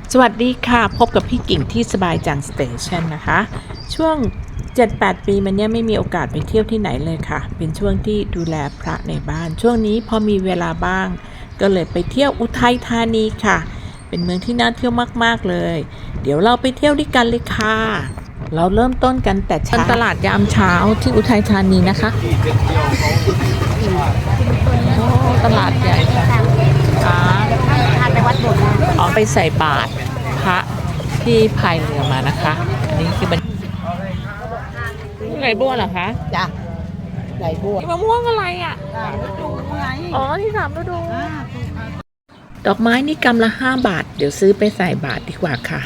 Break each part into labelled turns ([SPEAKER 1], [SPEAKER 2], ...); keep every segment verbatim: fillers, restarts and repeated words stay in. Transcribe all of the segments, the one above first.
[SPEAKER 1] สวัสดีค่ะพบกับพี่กิ่งที่สบายจังสเตชันนะคะช่วง เจ็ดแปด ปีมันเนี้ยไม่มีโอกาสไปเที่ยวที่ไหนเลยค่ะเป็นช่วงที่ดูแลพระในบ้านช่วงนี้พอมีเวลาบ้างก็เลยไปเที่ยวอุทัยธานีค่ะเป็นเมืองที่น่าเที่ยวมากๆเลยเดี๋ยวเราไปเที่ยวด้วยกันเลยค่ะเราเริ่มต้นกันแต่เช้าตลาดยามเช้าที่อุทัยธานีนะคะโอ้ตลาดใหญ่ค่ะ
[SPEAKER 2] พาไปวัดโบสถ์นะ
[SPEAKER 1] ออกไปใส่บาตรพระที่พายเรือมานะคะอันนี้คือบรรไก่บัวเหรอคะ
[SPEAKER 2] จ้ะไหลบัว
[SPEAKER 1] มะม่วงอะไรอ่ะ
[SPEAKER 2] ดูไง
[SPEAKER 1] อ๋อที่สามฤดูดอกไม้นี่กำละห้าบาทเดี๋ยวซื้อไปใส่บาตรดีกว่าค่ะ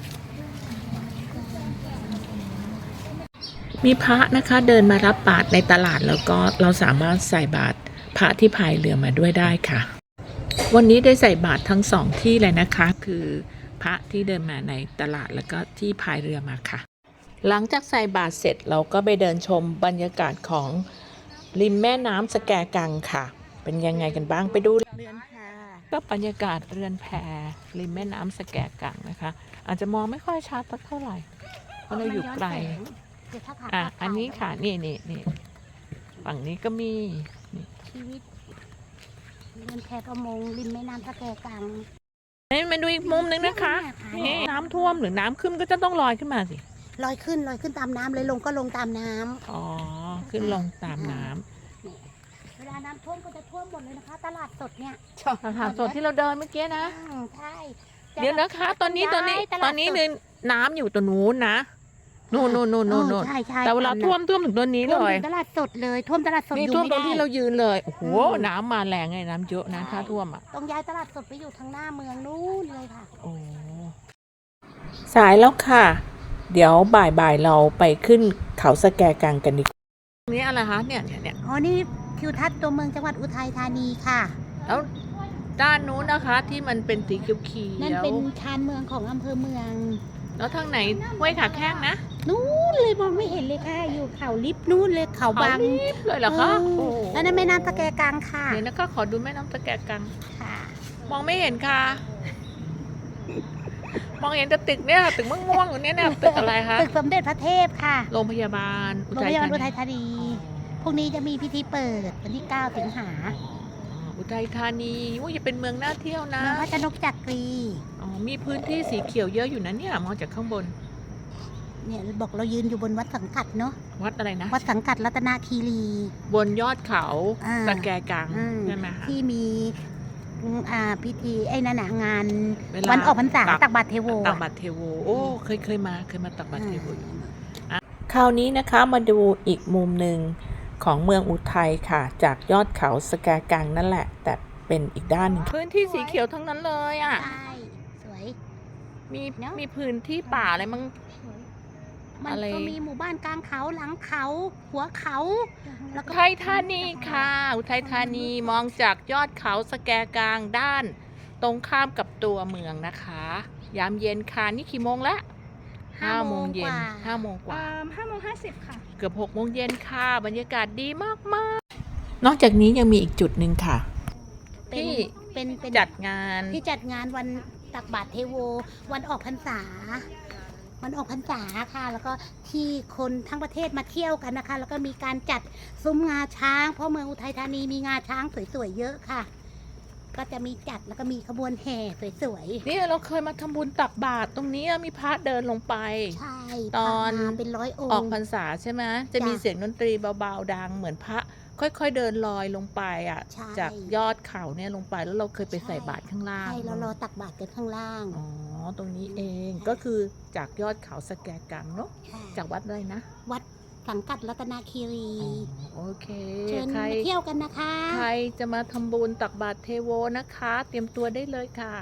[SPEAKER 1] มีพระนะคะเดินมารับบาตรในตลาดแล้วก็เราสามารถใส่บาตรพระที่พายเรือมาด้วยได้ค่ะวันนี้ได้ใส่บาตรทั้งสองที่เลยนะคะคือพระที่เดินมาในตลาดแล้วก็ที่พายเรือมาค่ะหลังจากใส่บาตรเสร็จเราก็ไปเดินชมบรรยากาศของริมแม่น้ำสแกกังค่ะเป็นยังไงกันบ้างไปดูเรือนแพก็บรรยากาศเรือนแพริมแม่น้ำสแกกังนะคะอาจจะมองไม่ค่อยชัดสักเท่าไหร่เพราะเราอยู่ไกลอ่ะอันนี้ค่ะนี่นี่นี่ฝั่งนี้ก็มี
[SPEAKER 2] ชีวิตเรือนแพประมงริมแม่น้ำสแกกัง
[SPEAKER 1] นี่มาดูอีกมุมนึงนะคะนี่น้ำท่วมหรือน้ำขึ้นก็จะต้องลอยขึ้นมาสิ
[SPEAKER 2] ลอยขึ้นลอยขึ้นตามน้ำเลยลงก็ลงตามน้ำ
[SPEAKER 1] อ๋อขึ้นลงตามน้ำ
[SPEAKER 2] เวลาน้ำท่วมก็จะท่วมหมดเลยนะคะตลาดสดเนี่ย
[SPEAKER 1] ตลาดสดที่เราเดินเมื่อกี้นะ
[SPEAKER 2] ใช่
[SPEAKER 1] เดี๋ยวนะคะตอนนี้ตอนนี้ตอนนี้นึงน้ำอยู่ตรงนู้นนะนู่นนู่นนู่นนู่นนู่นแต่เวลาท่วมท่วมถึงตัวนี้เลย
[SPEAKER 2] ตลาดสดเลยท่วมตลาดสด
[SPEAKER 1] นี่ท่วมตรงที่เรายืนเลยโอ้โหน้ำมาแรงไงน้ำเยอะนะถ้าท่วมอ่ะ
[SPEAKER 2] ต้องย้ายตลาดสดไปอยู่ทางหน้าเมืองนู้นเลยค่ะ
[SPEAKER 1] โอ้สายแล้วค่ะเดี๋ยวบ่ายๆเราไปขึ้นเขาสแกกังกันดีกว่านี่อะไรคะเนี่ยเนี่ยเนี่ย
[SPEAKER 2] อ๋อนี่ทิวทัศน์ตัวเมืองจังหวัดอุทัยธานีค่ะ
[SPEAKER 1] แล้วด้านนู้นนะคะที่มันเป็นสีเขียวๆ
[SPEAKER 2] นั่นเป็นชานเมืองของอำเภอเมือง
[SPEAKER 1] แล้วทางไหนห้วยขาแข้งนะ
[SPEAKER 2] นู้นเลยมองไม่เห็นเลยค่ะอยู่เขาลิบนู้นเลยเขาบาง
[SPEAKER 1] ลิบเลยเหรอคะ
[SPEAKER 2] แล้วนั่นแม่น้ำตะแกกังค่ะ
[SPEAKER 1] เดี๋ยวนะคะขอดูแม่น้ำตะแกกัง
[SPEAKER 2] ค่ะ
[SPEAKER 1] มองไม่เห็นค่ะมองเห็นแต่ตึกเนี่ยตึกม่วงๆอยู่เนี่ยเนี่ยตึกอะไรคะ
[SPEAKER 2] ตึกสมเด็จพระเทพค่ะ
[SPEAKER 1] โรงพยาบาล
[SPEAKER 2] โรงพยาบาลอุทัยธานีพรุ่งนี้จะมีพิธีเปิดวันที่เก้าสิงหา
[SPEAKER 1] อุทัยธานีว่าจะเป็นเมืองน่าเที่ยวนะ
[SPEAKER 2] เมืองพระชนกจักรี
[SPEAKER 1] อ๋อมีพื้นที่สีเขียวเยอะอยู่นะเนี่ยมองจากข้างบน
[SPEAKER 2] เนี่ยบอกเรายืนอยู่บนวัดสังกัดเนาะ
[SPEAKER 1] วัดอะไรนะ
[SPEAKER 2] วัดสังกัดรัตนคีรี
[SPEAKER 1] บนยอดเขาตะแกกังใช่ไหมคะ
[SPEAKER 2] ที่มีอ่าพิธีไอ้นั่นนะงานวันออกพรรษาตักบาตรเทโว
[SPEAKER 1] ตักบาตรเทโวโอ้เคยเคยมาเคยมาตักบาตรเทโวอยู่คราวนี้นะคะมาดูอีกมุมหนึ่งของเมืองอุทัยค่ะจากยอดเขาสแกกังนั่นแหละแต่เป็นอีกด้านนึงพื้นที่สีเขียวทั้งนั้นเลยอ่ะ
[SPEAKER 2] ใช่สวย
[SPEAKER 1] มีมีพื้นที่ป่าอะไรมั้ง
[SPEAKER 2] มันก็มีหมู่บ้านกลางเขาหลังเขาหัวเขา
[SPEAKER 1] แล้วก็อุทัยธานีค่ะอุทัยธานีมองจากยอดเขาสแกกังด้านตรงข้ามกับตัวเมืองนะคะยามเย็นค่ะนี่กี่โมงแล้วห้าโมงเย็นห้าโมงกว่า
[SPEAKER 2] ห้าโมงห้าสิบค่ะ
[SPEAKER 1] เกือบหกโมงเย็นค่ะบรรยากาศดีมากมากนอกจากนี้ยังมีอีกจุดหนึ่งค่ะที่
[SPEAKER 2] เป็น
[SPEAKER 1] จัดงาน
[SPEAKER 2] ที่จัดงานวันตักบาตรเทโววันออกพรรษาวันออกพรรษาค่ะแล้วก็ที่คนทั้งประเทศมาเที่ยวกันนะคะแล้วก็มีการจัดซุ้มงาช้างเพราะเมืองอุทัยธานีมีงาช้างสวยๆเยอะค่ะก็จะมีจัดแล้วก็มีขบวนแห่สวย
[SPEAKER 1] ๆนี่เราเคยมาทำบุญตักบาตรตรงนี้มีพระเดินลงไป
[SPEAKER 2] ใช่
[SPEAKER 1] ตอน
[SPEAKER 2] เป็นร้อยองค์
[SPEAKER 1] ออกพรรษาใช่ไหมจะมีเสียงดนตรีเบาๆดังเหมือนพระค่อยๆเดินลอยลงไปอ่ะจากยอดเขาเนี่ยลงไปแล้วเราเคยไปใส่บาตรข้างล่าง
[SPEAKER 2] ใช่เรารอตักบาตรกันข้างล่าง
[SPEAKER 1] อ๋อตรงนี้เองก็คือจากยอดเขาสแกกังเนาะจากวัดอะไรนะ
[SPEAKER 2] วัดสังกัดรัตนคีรี
[SPEAKER 1] โอเค
[SPEAKER 2] เชิญมาเที่ยวกันนะคะ
[SPEAKER 1] ใครจะมาทำบุญตักบาตรเทโวนะคะเตรียมตัวได้เลยค่ะ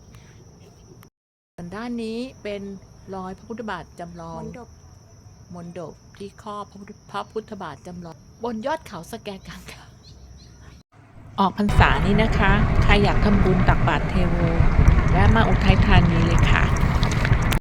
[SPEAKER 1] ด้านนี้เป็นรอยพระพุทธบาทจำลองมณฑปที่ครอบพระพุทธบาทจำลองบนยอดเขาสแกกังค่ะออกพรรษานี้นะคะใครอยากทำบุญตักบาตรเทโวแวะมาอุทัยธานีเลยค่ะ